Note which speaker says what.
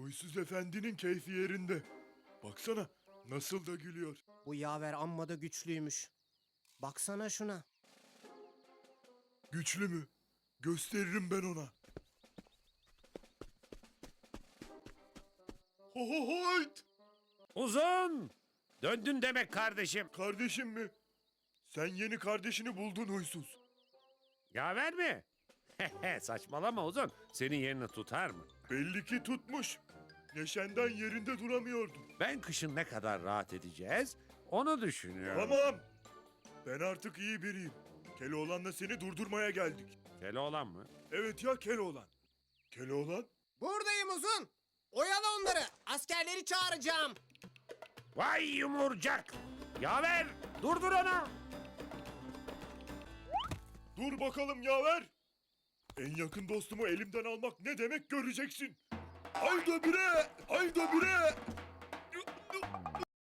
Speaker 1: Huysuz efendinin keyfi yerinde. Baksana nasıl da gülüyor.
Speaker 2: Bu yaver amma da güçlüymüş. Baksana şuna.
Speaker 1: Güçlü mü? Gösteririm ben ona. Ho ho hoyt!
Speaker 3: Uzun! Döndün demek kardeşim.
Speaker 1: Kardeşim mi? Sen yeni kardeşini buldun huysuz.
Speaker 3: Yaver mi? Saçmalama Uzun. Senin yerini tutar mı?
Speaker 1: Belli ki tutmuş. Neşenden yerinde duramıyordun.
Speaker 3: Ben kışın ne kadar rahat edeceğiz onu düşünüyorum.
Speaker 1: Tamam. Ben artık iyi biriyim. Keloğlan'la seni durdurmaya geldik.
Speaker 3: Keloğlan mı?
Speaker 1: Evet ya Keloğlan. Keloğlan?
Speaker 2: Buradayım Uzun. Oyala onları. Askerleri çağıracağım.
Speaker 3: Vay yumurcak! Yaver! Durdur onu!
Speaker 1: Dur bakalım yaver. En yakın dostumu elimden almak ne demek göreceksin. Haydi bire! Haydi bire!